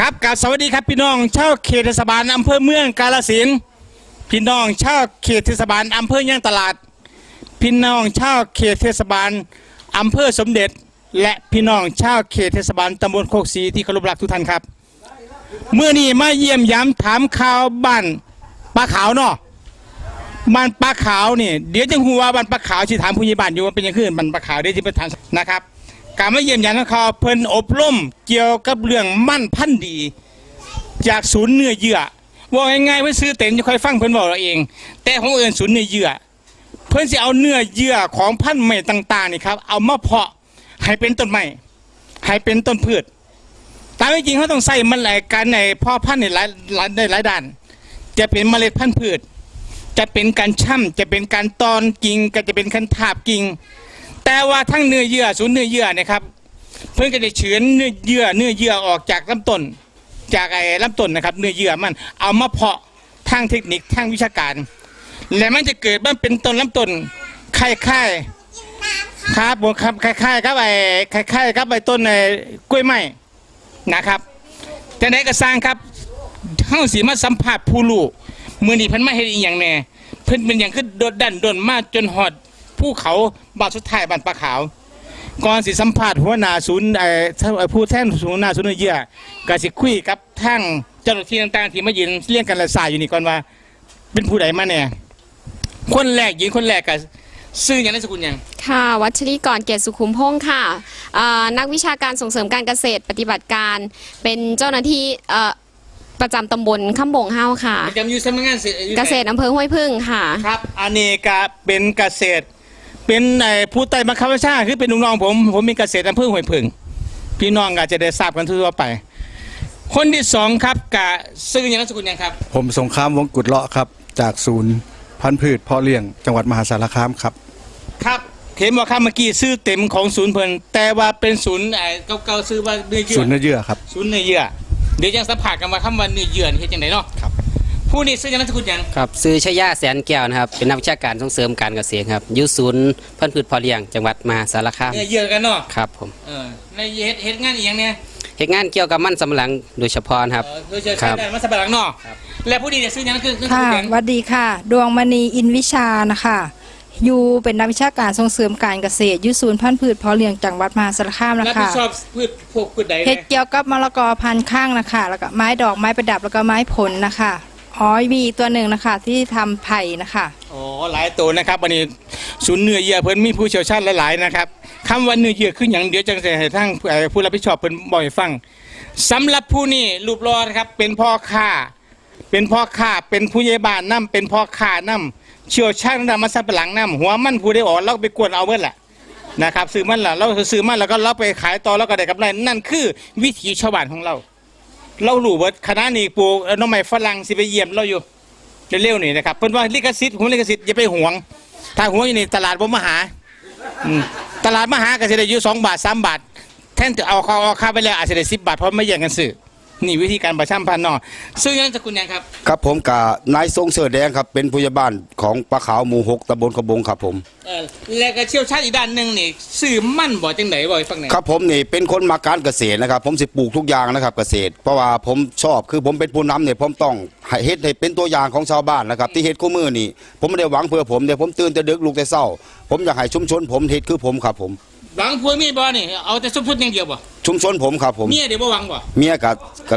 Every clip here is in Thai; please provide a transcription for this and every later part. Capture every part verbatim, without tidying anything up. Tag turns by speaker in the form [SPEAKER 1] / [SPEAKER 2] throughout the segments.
[SPEAKER 1] ครับกับสวัสดีครับพี่น้องชาวเขตเทศบาลอำเภอเมืองกาฬสินธุ์พี่น้องชาวเขตเทศบาลอำเภอย่างตลาดพี่น้องชาวเขตเทศบาลอำเภอสมเด็จและพี่น้องชาวเขตเทศบาลตำบลโคกศรีที่เคารพรักทุกท่านครับเมื่อนี้มาเยี่ยมย้ำถามข่าวบ้านปลาขาวเนาะบ้านปลาขาวนี่เดี๋ยวจะหัวบ้านปลาขาวที่ถามผู้ใหญ่บ้านอยู่ว่าเป็นยังไงบ้านปลาขาวได้ที่ประธานนะครับการมาเยี่ยมย้ำข่าวเพิ่นอบรมเกี่ยวกับเรื่องมั่นพันธุ์ดีจากศูนย์เนื้อเยื่อว่าง่ายๆเพื่อซื้อเต็นจะค่อยฟังเพิ่นบอกเราเองแต่ของเอิญศูนย์เนื้อเยื่อเพิ่นจะเอาเนื้อเยื่อของพันธุ์ใหม่ต่างๆนี่ครับเอามาเพาะให้เป็นต้นไม้ให้เป็นต้นพืชตามจริงเขาต้องใส่มันหลายการในพ่อพันธุ์ในหลายในหลายด้านจะเป็นเมล็ดพันธุ์พืชจะเป็นการช่ำจะเป็นการตอนกิ่งก็จะเป็นการทาบกิ่งแต่ว่าทั้งเนื้อเยื่อศูนย์เนื้อเยื่อนะครับเพิ่นก็จะเฉือนเนื้อเยื่อเนื้อเยื่อออกจากลำต้นจากไอ้ลำต้นนะครับเนื้อเยื่อมันเอามาเพาะทางเทคนิคทางวิชาการและมันจะเกิดมันเป็นต้นลำต้นคล้ายๆครับผมครับคล้ายๆครับไอ้คล้ายๆครับไอ้ต้นไอ้กล้วยไม้นะครับแต่ไหนก็สร้างครับเฮาสิมาสัมผัสผู้รู้มื้อนี้เพิ่นมาเฮ็ดอีหยังแน่เพิ่นเป็นหยังคือโดดดันโดนมาจนฮอดภูเขาบ้านสุดท้ายบ้านปลาขาวก่อนสิสัมภาษณ์หัวหน้าศูนย์ไอ้ผู้แทนศูนย์หน้าศูนย์เนื้อเยื่อก็สิคุยกับทางเจ้าหน้าที่ต่างๆที่มายืนเรียงกันละสายอยู่นี่ก่อนว่าเป็นผู้ใดมาแน่คนแรกยืนคนแรกก็ซื่อหยังนามสกุลหยัง
[SPEAKER 2] ค่ะวัชรีกรเกียรติสุขุมพงศ์ค่ะนักวิชาการส่งเสริมการเกษตรปฏิบัติการเป็นเจ้าหน้าที่ประจำตำบลข้ามบงเฮาค่ะ
[SPEAKER 1] ประจำอยู่สำนักงาน
[SPEAKER 2] เกษตรอำเภอห้วยพึ่งค่ะ
[SPEAKER 1] ครับอันนี้ก็เป็นเกษตรเป็นไอ้ผู้ใต้บังคับบัญชาคือเป็นลูกน้องผมผมมีเกษตรอำเภอห้วยพึ่งพี่น้องอาจจะได้ทราบกันทั่วไปคนที่สองครับกะซื่อหยังนามสกุลหยังครับ
[SPEAKER 3] ผมสงครามวงกุฎเลาะครับจากศูนย์พันธุ์พืชพ่อเลี้ยงจังหวัดมหาสารคามครับ
[SPEAKER 1] ครับเห็นว่าครับเมื่อกี้ซื้อเต็มของศูนย์เพิ่นแต่ว่าเป็นศูนย์ไอ้เก่าๆซื้อว่าเนื้อเยื่อ
[SPEAKER 3] ศูนย์เนื้อเยื่อครับ
[SPEAKER 1] ศูนย์เนื้อเยื่อเดี๋ยวยังสัมผัสกันว่าคำว่าเนื้อเยื่อนี่เฮ็ดจังได๋เนาะครับผู้นี้ซื้อหยังนามสกุลหยัง
[SPEAKER 4] ครับซื้อชยาแสนแก้วนะครับเป็นนักวิชาการส่งเสริมการเกษตรครับอยู่ศูนย์พันธุ์พืชพ่อเลี้ยงจังหวัดมหาสารคาม
[SPEAKER 1] เนื้อเยื่อกันเนาะ
[SPEAKER 4] ครับผม
[SPEAKER 1] เออในเฮ็ดเฮ็ดงานอีหยังเนี่ย
[SPEAKER 4] เฮ็ดงานเกี่ยวกับมันสำปะหลังโดยเฉพาะครับ
[SPEAKER 1] โดยเฉพาะมันสำปะหลังเนาะและผู้นี้เนี่ยซื้อหยังคือคือ
[SPEAKER 5] ค่ะสวัสดีค่ะดวงมณีอินวิชานะคะอยู่เป็นนักวิชาการส่งเสริมการเกษตรยุศูนย์พันธุ์พืชเพาะเลี้ยงจังหวัดมหาสารคามนะคะรับผิด
[SPEAKER 1] ชอบพืชพวกพืชใด
[SPEAKER 5] เฮ็ดเกี่ยวกับมะละกอพันธุ์ข้างนะคะแล้วก็ไม้ดอกไม้ประดับแล้วก็ไม้ผลนะคะอ๋อมีตัวหนึ่งนะคะที่ทำไผ่นะคะ
[SPEAKER 1] อ๋อหลายตัวนะครับวันนี้ศูนย์เนื้อเยื่อเพิ่นมีผู้เชี่ยวชาญหลายๆนะครับคำว่าเนื้อเยื่อคืออย่างเดียวจังจะให้ทั้งผู้รับผิดชอบเพิ่นบอกให้ฟังสำหรับผู้นี้รูปรอนะครับเป็นพ่อค้าเป็นพ่อค้าเป็นผู้ใหญ่บ้านนำเป็นพ่อค้านำเชี่ยวชาญนำมาสับหลังนำหัวมันผู้ได้ออกเราไปกวนเอาเบิดแหละนะครับซื้อมันล่ะเราซื้อมันแล้วก็เราไปขายต่อแล้วก็ได้กำไรนั่นคือวิถีชาวบ้านของเราเรารู้ว่าคณะนี้ปลูกน้องใหม่ฝรั่งสิไปเยี่ยมเราอยู่เร็วๆนี่นะครับเพิ่นว่าลิขสิทธิ์ของลิขสิทธิ์อย่าไปหวงถ้าหวงอยู่ในตลาดบ่มาหาตลาดมาหาก็สิได้อยู่สองบาทสามบาทแทนจะเอาเขาเอาค่าไปแล้วอาจจะได้สิบบาทเพราะไม่แย่งกันซื้อนี่วิธีการประชาสัมพันธ์เนาะซึ่งยังสกุลยังครับ
[SPEAKER 3] ครับผมกับนายทรงเสือแดงครับเป็นผู้ใหญ่บ้านของปลาขาวหมู่หกตำบลขบงครับผม
[SPEAKER 1] เออและก็เชี่ยวชาญอีกด้านหนึ่งนี่ซื้อมั่นบ่จังไหนบ่ฟังไหน
[SPEAKER 3] ครับผมนี่เป็นคนมาการเกษตรนะครับผมสิปลูกทุกอย่างนะครับเกษตรเพราะว่าผมชอบคือผมเป็นผู้นำเนี่ยผมต้องเฮ็ดให้เป็นตัวอย่างของชาวบ้านนะครับที่เฮ็ดคู่มือนี่ผมไม่ได้หวังเพื่อผมเนี่ยผมตื่นแต่ดึกลุกแต่เช้าผมอยากให้ชุมชนผมเฮ็ดคือผมครับผม
[SPEAKER 1] หวังพัวมีบ่นี่เอาแต่ชุมชนอย่างเดียวบ่
[SPEAKER 3] ชุมชนผมครับผม
[SPEAKER 1] เมียเดี๋ยวบ่หวังบ่
[SPEAKER 3] เมียกับกับ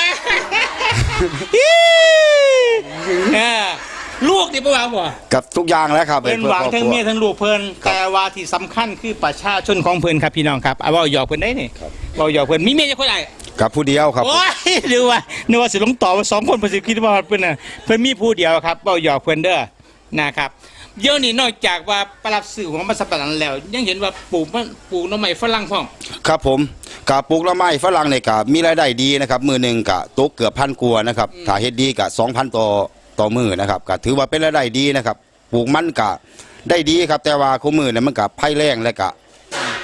[SPEAKER 1] ลูกเดี๋ยวบ่หวังบ่
[SPEAKER 3] กับทุกอย่างแล้วครับ
[SPEAKER 1] เป็นหวังทั้งเมียทั้งลูกเพิ่นแต่ว่าที่สำคัญคือประชาชนของเพิ่นครับพี่น้องครับเอาเว้าหยอกเพิ่นได้นี่เว้าหยอกเพิ่นมีเมียจักคนใด
[SPEAKER 3] กับผู้เดียวครับ
[SPEAKER 1] โอ้ยหรือว่านึกว่าสิลงต่อว่าสองคนเพิ่นสิคิดว่าเพิ่นน่ะเพิ่นมีผู้เดียวครับเว้าหยอกเพิ่นเด้อนะครับเดี๋ยวนี้นอกจากว่าปรับสื่อของมันสับปะหลังแล้วยังเห็นว่าปลูกมันปลูกหน่อไม้ฝรั่งพร้อม
[SPEAKER 3] ครับผมกะปลูกหน่อไม้ฝรั่งเนี่ยกะมีรายได้ดีนะครับมือหนึ่งกะตกเกือบพันกัวนะครับถ้าเฮ็ดดีกะสองพันต่อต่อมือนะครับกะถือว่าเป็นรายได้ดีนะครับปลูกมันกะได้ดีครับแต่ว่าคู่มือเนี่ยมันกะไผ่แรงและกะ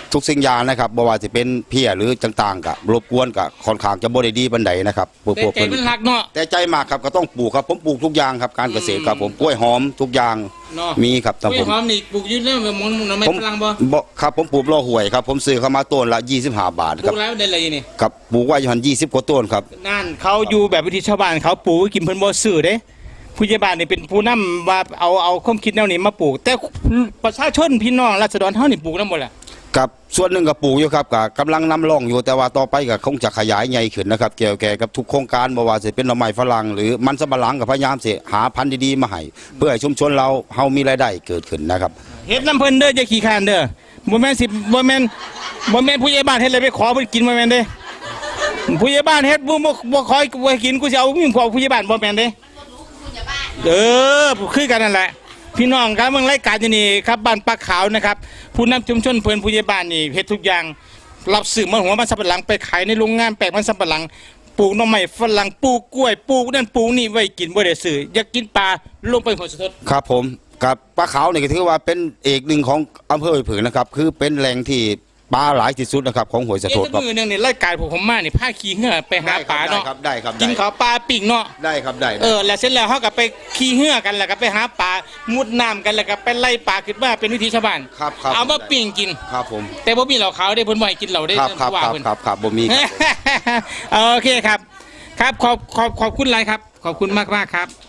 [SPEAKER 3] ทุกสิ่งอย่างนะครับบ่ว่าจะเป็นเพี้ยหรือต่างๆกับรบกวนกับค่อนข้างจะบ่ได้ดีปานใดนะครับพวก
[SPEAKER 1] แต่
[SPEAKER 3] พวก
[SPEAKER 1] ใจ
[SPEAKER 3] เพิ่น
[SPEAKER 1] มันหักเนาะ
[SPEAKER 3] แต่ใจมากครับก็ต้องปลูกครับผมปลูกทุกอย่างครับการเกษตรครับผมกล้วยหอมทุกอย่าง
[SPEAKER 1] เนาะ
[SPEAKER 3] มีครับ
[SPEAKER 1] ก
[SPEAKER 3] แต่
[SPEAKER 1] ล้วย
[SPEAKER 3] ผม
[SPEAKER 1] หอมนี่ปลูกอยู่ในหมอนหน่อไม้
[SPEAKER 3] ผม
[SPEAKER 1] ฝรั่งบ่
[SPEAKER 3] บ่ครับผมปลูกรอหวยครับผมซื้อเข้ามาต้นละยี่สิบห้าบาท
[SPEAKER 1] ป
[SPEAKER 3] ค
[SPEAKER 1] ลู
[SPEAKER 3] รับ
[SPEAKER 1] กแล้วได้อะไรนี่
[SPEAKER 3] ครับปลูกไว้อยู่หันยี่สิบกว่าต้นครับ
[SPEAKER 1] นั่นเขาอยู่แบบวิธีชาวบ้านเขาปลูกไว้กินเพิ่นบ่ซื้อเด้ผู้ใหญ่บ้านนี่เป็นผู้นำว่าเอาเอาความคิดแนวนี้มาปลูก แต่ประชาชนพี่น้องราษฎรเฮานี่ปลูกนำบ่ล่ะ
[SPEAKER 3] กับส่วนหนึ่งกับปลูกอยู่ครับกับกำลังนำร่องอยู่แต่ว่าต่อไปก็คงจะขยายใหญ่ขึ้นนะครับเกี่ยวแก่กับทุกโครงการบ่ว่าจะเป็นหน่อไม้ฝรั่งหรือมันสำปะหลังกับพยายามสิหาพันธุ์ดีๆมาให้เพื่อให้ชุมชนเราเฮามีรายได้เกิดขึ้นนะครับ
[SPEAKER 1] เฮ็ดน้ำเพิ่นเด้ออย่าขี้คร้านเด้อบ่แม่นสิบ่แม่นบ่แม่นผู้ใหญ่บ้านเฮ็ดอะไรไปขอเพิ่นกินบ่แม่นเด้ผู้ใหญ่บ้านเฮ็ดบ่บ่บ่ขอบ่ให้กินกูสิเอามีขอผู้ใหญ่บ้านบ่แม่นเด้เออคือกันนั่นแหละพี่น้องครับเมืองรายการอยู่นี่ครับบ้านปลาขาวนะครับผู้นำชุมชนเพิ่นผู้ใหญ่บ้านนี่เฮ็ดทุกอย่างรับซื้อมันหัวมันสำปะหลังไปขายในโรงงานแปลงมันสำปะหลังปลูกหน่อไม้ฝรั่งปลูกกล้วยปลูกนั่นปลูกนี่ไว้กินบ่ได้ซื้ออยากกินปลาลงไปหัวสะทด
[SPEAKER 3] ครับผมกับปลาขาวนี่ก็ถือว่าเป็นเอกหนึ่งของอำเภอห้วยผึ่งนะครับคือเป็นแหล่งที่ปลาหลายที่สุดนะครับของห้วยสะ
[SPEAKER 1] เอ๊ะ
[SPEAKER 3] โทด
[SPEAKER 1] แต่
[SPEAKER 3] ครับ
[SPEAKER 1] มือหนึงนี่รายการผมผมมานี่พาขี่เหือไปหาปลาเนาะ
[SPEAKER 3] ได้ครับได้ครับ
[SPEAKER 1] กินข้าวปลาปิ้งเนาะ
[SPEAKER 3] ได้ครับได้
[SPEAKER 1] เออแล้วเสร็จแล้วเขาก็ไปขี่เหือกันแล้วก็ไปหาปลามุดน้ำกันแล้วก็ไปไล่ปลาขึ้นมาเป็นวิถีชาวบ้าน
[SPEAKER 3] ครับครับ
[SPEAKER 1] เอามาปิ้งกิน
[SPEAKER 3] ครับผม
[SPEAKER 1] แต่บ่มีเหล้าขาวได้เพิ่นบ่ให้กินเหล้าได้
[SPEAKER 3] ครับครับ
[SPEAKER 1] ว่า
[SPEAKER 3] ครับ
[SPEAKER 1] เพิ่น
[SPEAKER 3] ครับครับบ่มีครับผม
[SPEAKER 1] โอเคครับ ครับขอบขอบขอบคุณหลายครับ ขอบคุณมากมากๆครับ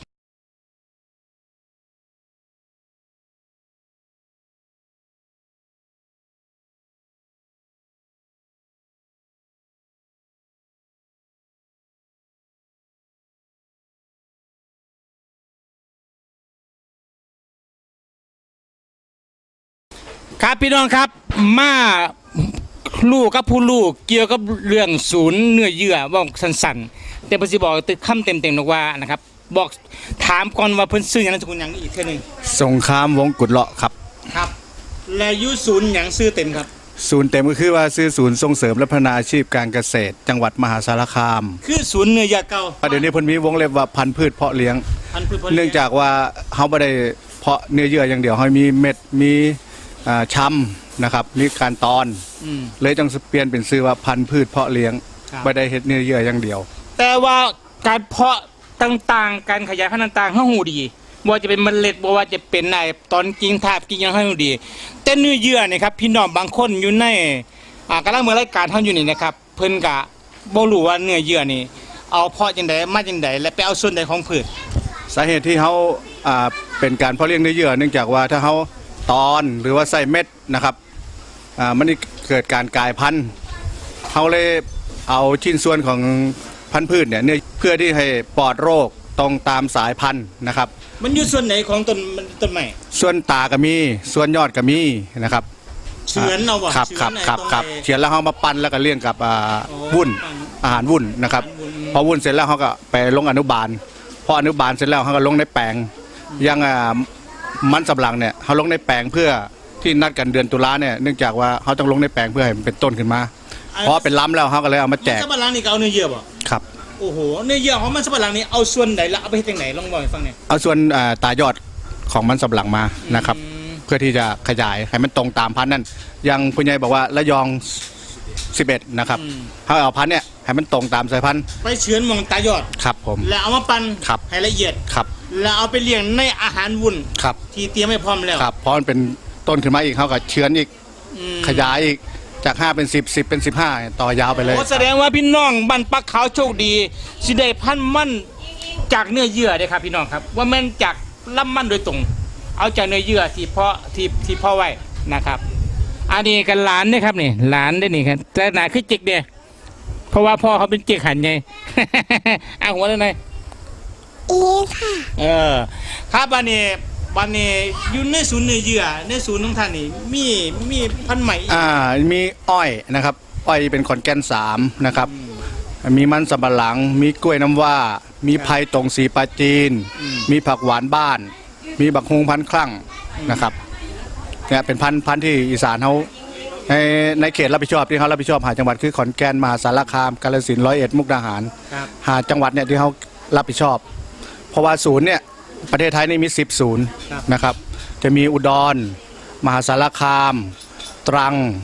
[SPEAKER 1] ครับพี่น้องครับมาลูกกับผู้ลูกเกี่ยวกับเรื่องศูนย์เนื้อเยื่อบอกสั้นๆแต่เพิ่นสิบอกตึกคำเต็มๆนกว่านะครับบอกถามก่อนว่าเพิ่นซื้อหยังนามสกุลหยังอีกเทื่อหนึง
[SPEAKER 6] สงครามวงกุฎเลาะครับ
[SPEAKER 1] ครับ และอยู่ศูนย์หยังซื้อเต็มครับ
[SPEAKER 6] ศูนย์เต็มก็คือว่าซื้อศูนย์ส่งเสริมและพัฒนาอาชีพการเกษตร จังหวัดมหาสารคาม
[SPEAKER 1] คือศูนย์เนื้อเยื่อเก่า
[SPEAKER 6] เดี๋ยวนี้เพิ่นมีวงเล็บว่าพันธุ์พืชเพาะเลี้ยง
[SPEAKER 1] พันธุ์พืชผล
[SPEAKER 6] เนื่องจากว่าเฮาบ่ได้เพาะเนื้อเยื่ออย่างเดียวเฮามีเม็ดมีอ่าช้ำนะครับมีการตอน
[SPEAKER 1] อืม
[SPEAKER 6] เลยจังเปลี่ยนเป็นชื่อว่าพันธุ์พืชเพาะเลี้ยง
[SPEAKER 1] ครับ
[SPEAKER 6] บ่ได้เฮ็ดเนื้อเยื่ออย่างเดียว
[SPEAKER 1] แต่ว่าการเพาะต่างๆ การขยายพันธุ์ต่างๆเฮาฮู้ดีบ่ว่าจะเป็นเมล็ดบ่ว่าจะเป็นไอ้ตอนกิ่งทาบกิ่งหยังเฮาฮู้ดี แต่เนื้อเยื่อนี่ครับพี่น้องบางคนอยู่ในอ่ากำลังเมืองรายการเฮาอยู่นี่นะครับเพิ่นก็บ่รู้ว่าเนื้อเยื่อนี่เอาเพาะจังไดมาจังไดและไปเอาส่วนใดของพืช
[SPEAKER 6] สาเหตุที่เฮาอ่าเป็นการเพาะเลี้ยงเนื้อเยื่อเนื่องจากว่าถ้าเฮาตอนหรือว่าใส่เม็ดนะครับอ่ามันนี่เกิดการกลายพันธุ์เฮาเลยเอาชิ้นส่วนของพันธุ์พืชเนี่ยเนื้อเพื่อที่ให้ปลอดโรคตรงตามสายพันธุ์นะครับ
[SPEAKER 1] มันอยู่ส่วนไหนของต้นต้นไม้
[SPEAKER 6] ส่วนตาก็มีส่วนยอดก็มีนะครับ
[SPEAKER 1] เฉือนเอาบ่
[SPEAKER 6] ครับ
[SPEAKER 1] เฉื
[SPEAKER 6] ครั
[SPEAKER 1] อบ น
[SPEAKER 6] ครับ
[SPEAKER 1] ไอ้ตง
[SPEAKER 6] ครับ
[SPEAKER 1] ไอ้
[SPEAKER 6] เฉือนแล้วเฮามาปั้นแล้วก็เลี้ยงกับอ่า
[SPEAKER 1] โอ้
[SPEAKER 6] วุ้น
[SPEAKER 1] ปั้น
[SPEAKER 6] อาหารวุ้นนะครับ
[SPEAKER 1] อาหารวุ้น
[SPEAKER 6] พอวุ้นเสร็จแล้วเฮาก็ไปลงอนุบาลพออนุบาลเสร็จแล้วเฮาก็ลงในแปลงอยังอ่ามันสำปะหลังเนี่ยเฮาลงในแปลงเพื่อที่นัดกันเดือนตุลาเนี่ยเนื่องจากว่าเฮาต้องลงในแปลงเพื่อให้มันเป็นต้นขึ้นมาพอเป็นล้ำแล้วเฮาก็เลยเอามาแจ
[SPEAKER 1] มัน
[SPEAKER 6] ก
[SPEAKER 1] สับปะหลังนี่ก็เอาเนื้อเยื่อบ่
[SPEAKER 6] ครับ
[SPEAKER 1] โอ้โหเนื้อเยื่อของมันสับปะหลังนี่เอาส่วนไหนแล้วเอาไปเฮ็ดจังไหนลองบอกให้ฟังหน่อย
[SPEAKER 6] เอาส่วนอ่าตายอดของมันสำปะหลังมานะครับ
[SPEAKER 1] อืม
[SPEAKER 6] เพื่อที่จะขยายให้มันตรงตามพันธุ์นั่นอยังคุณยายบอกว่าระยองสิบเอ็ดนะครับ
[SPEAKER 1] อืม
[SPEAKER 6] เขาเอาพันธุ์เนี่ยให้มันตรงตามสายพันธุ์
[SPEAKER 1] ไปเฉือนหมองตายอด
[SPEAKER 6] ครับผม
[SPEAKER 1] แล้วเอามาปั่น
[SPEAKER 6] ครับ
[SPEAKER 1] ให้ละเอียด
[SPEAKER 6] ครับ
[SPEAKER 1] แล้วเอาไปเลี้ยงในอาหารวุ้น
[SPEAKER 6] ครับ
[SPEAKER 1] ที่เตรียมให้พร้อมแล้ว
[SPEAKER 6] ครับเพราะมันเป็นต้นขึ้นมาอีกเขาก็เชื้อนอีก
[SPEAKER 1] อืม
[SPEAKER 6] ขยายอีกจากห้าเป็นสิบสิบเป็นสิบห้าต่อยาวไปเลย
[SPEAKER 1] โอ้แสดงว่าพี่น้องบ้านปักขาวโชคดีสิได้พันธุ์มันจากเนื้อเยื่อเด้ครับพี่น้องครับ ว่าแม่นจากลำมันโดยตรง เอาจากเนื้อเยื่อที่เพาะที่ที่เพาะไว้นะครับ อันนี้กันหลานเด้ครับนี่หลานได้นี่ครับแต่หนาคือจิกเด้เพราะว่าพ่อเขาเป็นเจิกหันไง เอาหัวเลยหน่อย
[SPEAKER 7] อีค่ะ
[SPEAKER 1] เออครับวันนี้วันนี้อยู่ในศูนย์เนื้อเยื่อในศูนย์ของท่านนี่มีมีพันธุ์ใหม่อีก
[SPEAKER 6] อ่ามีอ้อยนะครับ อ้อยเป็นขอนแก่นสามนะครับ มีมันสำปะหลัง มีกล้วยน้ำว่า มีไผ่ตรงสีปลาจีน มีผักหวานบ้าน มีบักฮุงพันธุ์คลั่งนะครับเนี่ยเป็นพันธุ์พันธุ์ที่อีสานเขาในในเขตรับผิดชอบที่เขารับผิดชอบหาจังหวัดคือขอนแก่นมหาสารคามกาฬสินธุ์ร้อยเอ็ดมุกดาหาร
[SPEAKER 1] ครับ
[SPEAKER 6] หาจังหวัดเนี่ยที่เขารับผิดชอบ เพราะว่าศูนย์เนี่ยประเทศไทยนี่มีสิบศูนย์นะครับ จะมีอุดร มหาสารคาม ตรัง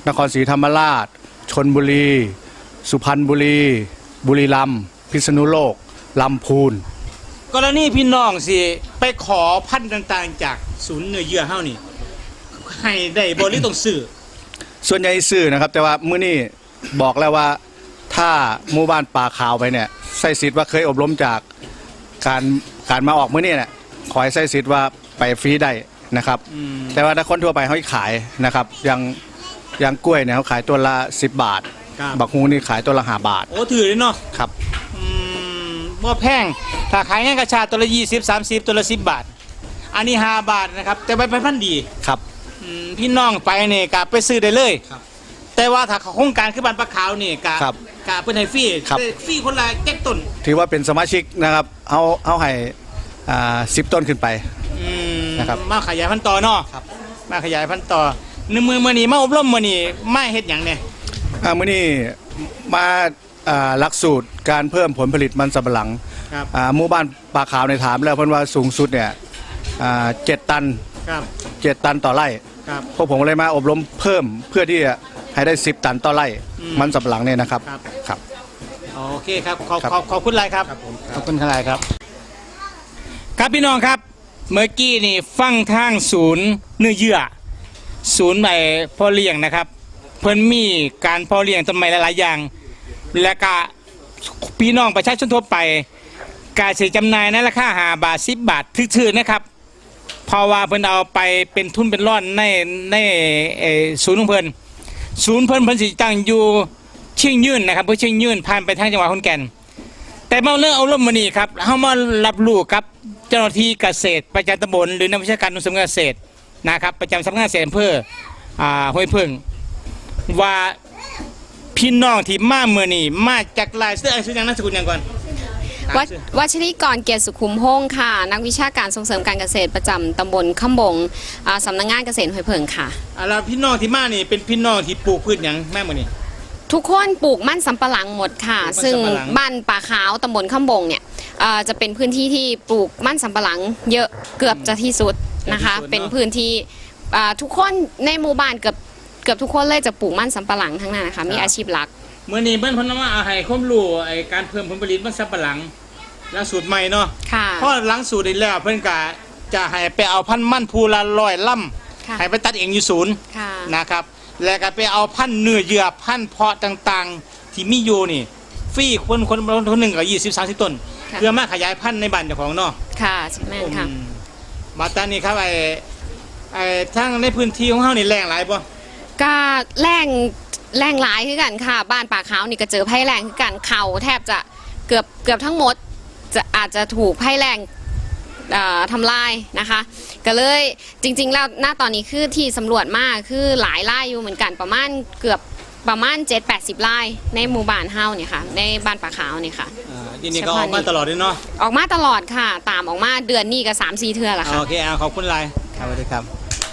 [SPEAKER 6] นครศรีธรรมราชชลบุรี สุพรรณบุรี บุรีรัมย์พิษณุโลกลำพูน
[SPEAKER 1] กรณีพี่น้องสิไปขอพันธุ์ต่างๆ จากศูนย์เนื้อเยื่อเฮานี่ให้ได้บ่หรือต้องซื้อ
[SPEAKER 6] ส่วนใหญ่ซื้อนะครับ แต่ว่ามื้อนี้บอกแล้วว่าถ้าหมู่บ้านป่าขาวไปเนี่ยใส่สิทธิ์ว่าเคยอบรมจากการการมาออกมื้อนี้เนี่ยขอให้ใส่สิทธิ์ว่าไปฟรีได้นะครับ แต่ว่าถ้าคนทั่วไปเขาขายนะครับอย่างอย่างกล้วยเนี่ยเขาขายตัวละสิบบาท
[SPEAKER 1] ครับ
[SPEAKER 6] บักฮูนี่ขายตัวละห้าบาท
[SPEAKER 1] โอ้ถือเลยเนาะ
[SPEAKER 6] ครับ
[SPEAKER 1] อืมบ่แพงถ้าขายงานกระชาตัวละยี่สิบ สามสิบตัวละสิบบาท อันนี้ห้าบาทนะครับแต่ใบพันธุ์ดี
[SPEAKER 6] ครับ
[SPEAKER 1] อืมพี่น้องไปนี่กะไปซื้อได้เลย
[SPEAKER 6] ครับ
[SPEAKER 1] แต่ว่าถ้าเขาโครงการคือบ้านปลาขาวนี่กะ
[SPEAKER 6] ครับ
[SPEAKER 1] กะเพิ่นให้ฟรี
[SPEAKER 6] ครับ
[SPEAKER 1] ได้ฟรีคนละแจ็คต้น
[SPEAKER 6] ถือว่าเป็นสมาชิกนะครับเอาเอาให้อ่าสิบต้นขึ้นไป
[SPEAKER 1] อืม
[SPEAKER 6] นะครับ
[SPEAKER 1] มาขยายพันธุ์ต่อเนาะ
[SPEAKER 6] ครับ
[SPEAKER 1] มาขยายพันธุ์ต่อในมือมื้อนี้มาอบรมมื้อนี้มาเฮ็ดหยังเนี่ย
[SPEAKER 6] อ่ามื้อนี้มาอ่าหลักสูตรการเพิ่มผลผลิตมันสำปะหลัง
[SPEAKER 1] ครับ
[SPEAKER 6] อ่าหมู่บ้านป่าขาวในยถามแล้วเพิ่นว่าสูงสุดเนี่ยอ่าเจ็ดตัน
[SPEAKER 1] ครับ
[SPEAKER 6] เจ็ดตันต่อไร่
[SPEAKER 1] ครับ
[SPEAKER 6] พวกผมเลยมาอบรมเพิ่มเพื่อที่จะให้ได้สิบตันต่อไร่
[SPEAKER 1] อืม
[SPEAKER 6] มันสำปะหลังเนี่ยนะครับ
[SPEAKER 1] ครับ
[SPEAKER 6] ครับ
[SPEAKER 1] โอเคครับขอบ
[SPEAKER 6] ครับ
[SPEAKER 1] ขอบขอบคุณหลายครับขอบคุณหลายครับ ครับพี่น้องครับเมื่อกี้นี่ฟังทางศูนย์เนื้อเยื่อศูนย์ใหม่พ่อเลี้ยงนะครับ เพิ่นมีการพ่อเลี้ยงต้นไม้หลายๆอย่าง และก็พี่น้องประชาชนทั่วไปการซื้อจำหน่ายในราคาห้าบาทสิบบาทถือๆนะครับเพราะว่าเพิ่นเอาไปเป็นทุนเป็นร่อนในในเอ่อศูนย์ของเพิ่นศูนย์เพิ่นเพิ่นสิตั้งอยู่เชียงยืนนะครับเพื่อเชียงยืนผ่านไปทางจังหวัดขอนแก่น แต่มาเรื่องเอาร่มมานี่ครับเฮามารับรู้กับเจ้าหน้าที่เกษตรประจำตำบลหรือนักวิชาการนุสมเกษตรนะครับประจำสำนักงานเกษตรอำเภออ่าห้วยพึ่งว่าพี่น้องที่มาเมื่อนี่มาจากหลายเสื้อไอ้ชื่อยังนามสกุลยังก่อน
[SPEAKER 2] วัดวัชรีกรเกียรติสุขุมพงศ์ค่ะ นักวิชาการส่งเสริมการเกษตรประจำตำบลคำบงอ่าสำนักงานเกษตรห้วยเพิงค่ะ
[SPEAKER 1] อ่าแล้วพี่น้องที่มานี่เป็นพี่น้องที่ปลูกพืชหยังแม่เมื่อนี่
[SPEAKER 2] ทุกคนปลูกมั่นสำปะหลังหมดค่ะ
[SPEAKER 1] ปลูกมั่น
[SPEAKER 2] ซึ่ง
[SPEAKER 1] สำปะหลัง
[SPEAKER 2] บ้านป่าขาวตำบลคำบงเนี่ยเอ่อจะเป็นพื้นที่ที่ปลูกมั่นสำปะหลังเยอะเกือบจะที่สุดนะคะ
[SPEAKER 1] เกือบที่สุดเนอะ
[SPEAKER 2] เป็นพื้นที่อ่าทุกคนในหมู่บ้านเกือบเกือบทุกคนเลยจะปลูกมั่นสำปะหลังทั้งนั้นนะคะมีอาชีพหลัก
[SPEAKER 1] เมื่อนี้เพิ่นเพิ่นมาเอาให้ความรู้ไอ้การเพิ่มผลผลิตมันสับปะหลังหลังสูตรใหม่เนาะ
[SPEAKER 2] ค่ะ
[SPEAKER 1] เพราะหลังสูตรได้แล้วเพิ่นก็จะให้ไปเอาพันธุ์มันภูละร้อยล่
[SPEAKER 2] ค่ะ
[SPEAKER 1] ำให้ไปตัดเองอยู่ศูนย์
[SPEAKER 2] ค่ะ
[SPEAKER 1] นะครับแล้วก็ไปเอาพันธุ์เนื้อเยื่อพันธุ์เพาะต่างๆ ที่มีอยู่นี่ฟรีคนคนคนหนึ่งก็ยี่สิบสามสิบต้น
[SPEAKER 2] ค่ะ
[SPEAKER 1] เพื่อมาขยายพันธุ์ในบ้านเจ้าของเนาะ
[SPEAKER 2] ค่ะแม่นค่ะ
[SPEAKER 1] อืมมาตอนนี้ครับไอ้ไอ้ทั้งในพื้นที่ของเฮานี่แรงหลายบ่
[SPEAKER 2] ก็แรงแรงหลายคือกันค่ะ บ้านป่าขาวนี่ก็เจอภัยแรงคือกันเขาแทบจะเกือบเกือบทั้งหมดจะอาจจะถูกภัยแรงเอ่อทำลายนะคะ ก็เลยจริงๆแล้วหน้าตอนนี้คือที่สำรวจมากคือหลายไร่อยู่เหมือนกันประมาณเกือบประมาณเจ็ดแปดสิบไร่ในหมู่บ้านเฮาเนี่ยค่ะในบ้านป่าขาวเนี่ยค่ะ
[SPEAKER 1] อ่าทีนี้ก็ออกมาตลอดเลยเนาะ
[SPEAKER 2] ออกมาตลอดค่ะ ตามออกมาเดือนนี้ก็สามสี่เทื่อละค่ะ
[SPEAKER 1] โอเคเอาขอบคุณหลายครับสวัสดีครับ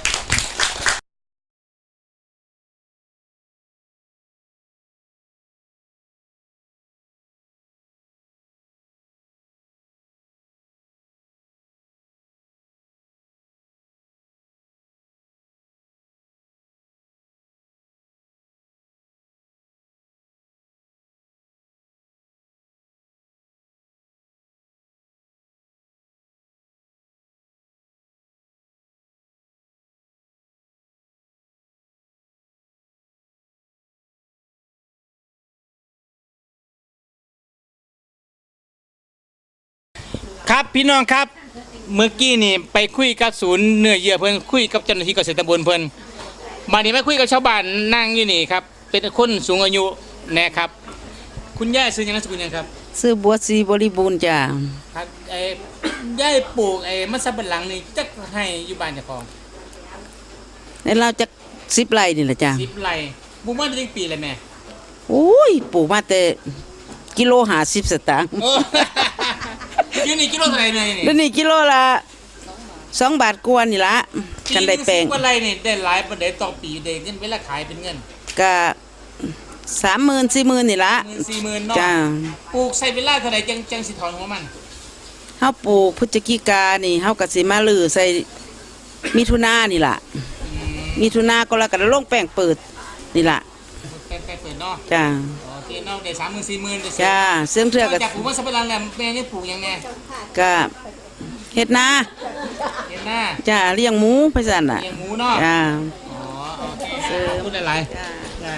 [SPEAKER 1] ครับพี่น้องครับเมื่อกี้นี่ไปคุยกับศูนย์เนื้อเยื่อเพิ่นคุยกับเจ้าหน้าที่เกษตรตำบลเพิ่นมานี่มาคุยกับชาวบ้านนั่งอยู่นี่ครับเป็นคนสูงอายุนะครับ คุณย่าซื้อหยังนามสกุลหยังครับ
[SPEAKER 8] ซื้อบัวสีบริบูรณ์จ้า
[SPEAKER 1] ครับไอ้ย่าปลูกไอ้มะสับปะหลังนี่จักให้อยู่บ้านเจ้าของ
[SPEAKER 8] ในเราจะสิบไร่นี่แหละจ้า
[SPEAKER 1] สิบไร่ปลูกมาได้ปีเลยแม่
[SPEAKER 8] โอ้ยปลูกมาแต่กิโลหาสิบสตางค์
[SPEAKER 1] โอ้ อยู่นี่กิโลเท่าไหร่แม่นี่
[SPEAKER 8] แล้วนี่กิโลละสองบาทกว่านี่ละกันได้แปลง
[SPEAKER 1] สิบกว่าไร่นี่ได้หลายปานใดต่อปีได้เงินเวลาขายเป็นเงิน
[SPEAKER 8] ก็สามหมื่นสี่หมื่นนี่ละ
[SPEAKER 1] หมื่นสี่หมื่นเนาะ
[SPEAKER 8] จ้า
[SPEAKER 1] ปลูกใส่เวลาเท่าไหร่จังจังสิถอนหัวมัน
[SPEAKER 8] เฮาปลูกพฤศจิกานี่เฮาก็สิมาลือใส่มิถุนานี่ล่ะมิถุนากรกฎาคมลงแป้งเปิดนี่ล่ะ
[SPEAKER 1] ใกล้ใกล้เปิดเนาะ
[SPEAKER 8] จ้า
[SPEAKER 1] โอเคเนาะได้สามหมื่นสี่หมื่นได้
[SPEAKER 8] จ้าเสื่อมเทือ
[SPEAKER 1] ก็
[SPEAKER 8] ก็
[SPEAKER 1] จากปลูกมันสับปะหลังแล้วแม่นี่ปลูกยังไง
[SPEAKER 8] ก็เฮ็ดนา
[SPEAKER 1] เห็นหน้า
[SPEAKER 8] จ้าเลี้ยงหมูไปสั่นน่ะ
[SPEAKER 1] เลี้ยงหมูเนาะ
[SPEAKER 8] จ้า
[SPEAKER 1] อ๋อโอเคขอบคุณหลายๆได้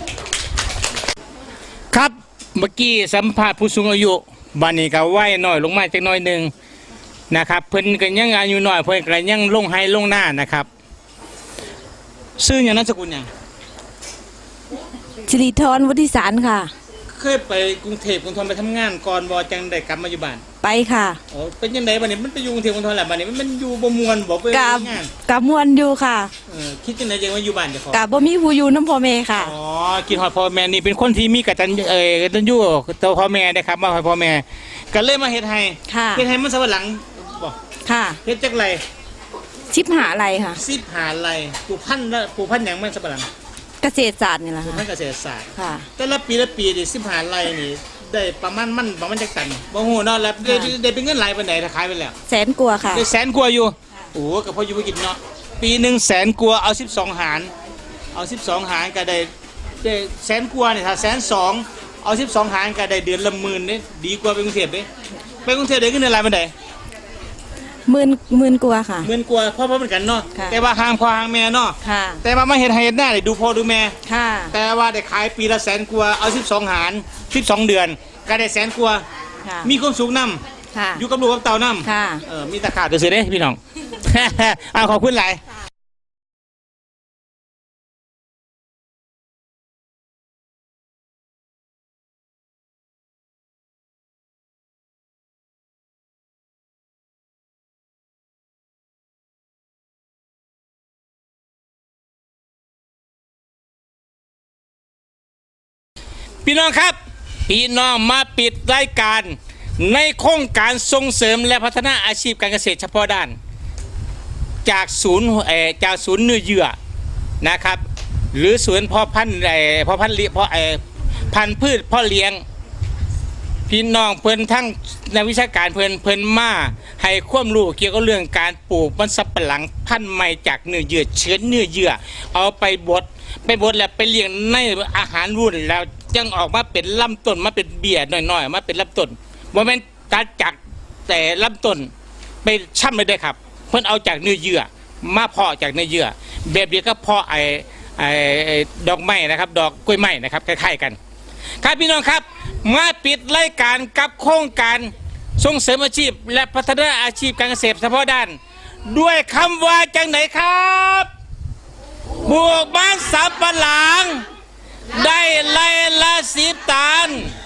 [SPEAKER 1] ครับเมื่อกี้สัมภาษณ์ผู้สูงอายุบัดนี้ก็ไหวหน่อยลงมาจักหน่อยหนึงนะครับเพิ่นก็ยังอายุน้อยเพิ่นก็ยังลงให้ลงหน้านะครับชื่อหยังนามสกุลหยัง
[SPEAKER 5] สิริธรวุฒิสารค่ะ
[SPEAKER 1] เคยไปกรุงเทพกรุงธนไปทำงานก่อนบ่จังได้กลับมาอยู่บ้าน
[SPEAKER 5] ไปค่ะ
[SPEAKER 1] อ๋อเป็นยังไงบัดนี้มันไปอยู่กรุงเทพกรุงธนแหละบัดนี้มันมันอยู่บ่ม่วนบ่ไป
[SPEAKER 5] กับ
[SPEAKER 1] งาน
[SPEAKER 5] กับมวนอยู่ค่ะ
[SPEAKER 1] เออคิดจังไดจังว่าอยู่บ้านเจ้าของ
[SPEAKER 5] กับบ่มีผู้อยู่น้ำพ่อแม่ค่ะ
[SPEAKER 1] อ๋อกินฮอดพ่อแม่นี่เป็นคนที่มีกตัญเอ่อกตัญญูต่อพ่อแม่นะครับมาฮอดพ่อแม่ก็เลยมาเฮ็ดให้
[SPEAKER 5] ค่ะ
[SPEAKER 1] เฮ็ดให้มันสำปะหลังบ่
[SPEAKER 5] ค่ะ
[SPEAKER 1] เฮ็ดจักไร
[SPEAKER 5] ชิบหาอะไรค่ะ
[SPEAKER 1] สิบหาไรปลูกพันธุ์ละปลูกพันธุ์หยังมันสำปะหลัง
[SPEAKER 5] เกษตรศาสตร์นี่แหละ
[SPEAKER 1] ปลูก
[SPEAKER 5] ค่ะ
[SPEAKER 1] พันธุ์เกษตรศาสตร์
[SPEAKER 5] ค่ะ
[SPEAKER 1] แต่ละปีละปีนี่สิบหาไรนี่ได้ประมาณมันประมาณจักตันบ่ฮู้เนาะแล้วได้ได้เป็นเงินหลายปานใดถ้าขายไปแล้ว
[SPEAKER 5] แสนกลัวาค่ะ
[SPEAKER 1] ได้แสนกว่าอยู่โอ้โหก็พออยู่บ่กินเนาะปีหนึงแสนกว่าเอาสิบสองหารเอาสิบสองหารก็ได้ได้แสนกว่านี่ถ้าแสนสองเอาสิบสองหารก็ได้เดือนละหมื่นนี่ดีกว่าไปกรุงเทพเด้ไปกรุงเทพได้เงินเดือนหลายปานใด
[SPEAKER 5] หมื่นหมื่นกลัวาค่ะ
[SPEAKER 1] หมื่นกว่าพ่อพ่อเหมือนกันเนาะ
[SPEAKER 5] ค่ะ
[SPEAKER 1] แต่ว่าห่างพ่อห่างแม่เนาะ
[SPEAKER 5] ค่ะ
[SPEAKER 1] แต่ว่ามาเฮ็ดให้เฮ็ดหน้าได้ดูพ่อดูแม่
[SPEAKER 5] ค่ะ
[SPEAKER 1] แต่ว่าได้ขายปีละแสนกว่าเอาสิบสองหารสิบสองเดือนก็ได้แสนกว่า
[SPEAKER 5] ค่ะ
[SPEAKER 1] มีความสุขนํ
[SPEAKER 5] ค่ะ
[SPEAKER 1] อยู่กับลูกกับเต่านํ
[SPEAKER 5] ค่ะ
[SPEAKER 1] เออมีตะขาบซื่อๆเด้พี่น้อง เอาขอบคุณหลายพี่น้องครับพี่น้องมาปิดรายการในโครงการส่งเสริมและพัฒนาอาชีพการเกษตรเฉพาะด้าน จากศูนย์เอ่อจากศูนย์เนื้อเยื่อนะครับ หรือศูนย์เพาะพันธุ์เอ่อเพาะพันธุ์เลี้ยเพาะเอ่อพันธุ์พืชเพาะเลี้ยง พี่น้องเพิ่นทั้งนักวิชาการเพิ่นเพิ่นมาให้ความรู้เกี่ยวกับเรื่องการปลูกมันสำปะหลังพันธุ์ใหม่จากเนื้อเยื่อเชื้อเนื้อเยื่อเอาไปบดไปบดแล้วไปเลี้ยงในอาหารรุ่นแล้วจึงออกมาเป็นลำต้นมาเป็นเบี้ยน้อยๆมาเป็นลำต้นบ่แม่นตัดจากแต่ลำต้นไปช่ำเลยได้ครับ เพิ่นเอาจากเนื้อเยื่อมาเพาะจากเนื้อเยื่อแบบเดียวก็เพาะไอ้ไอ้ไอ้ดอกไม้นะครับ ดอกกล้วยไม้นะครับคล้ายๆกัน ครับพี่น้องครับมาปิดรายการกับโครงการส่งเสริมอาชีพ และพัฒนาอาชีพการเกษตรเฉพาะด้าน ด้วยคำว่าจังไหนครับบวกบ้านสับปะหลัง ได้ไล่ละสิบตัน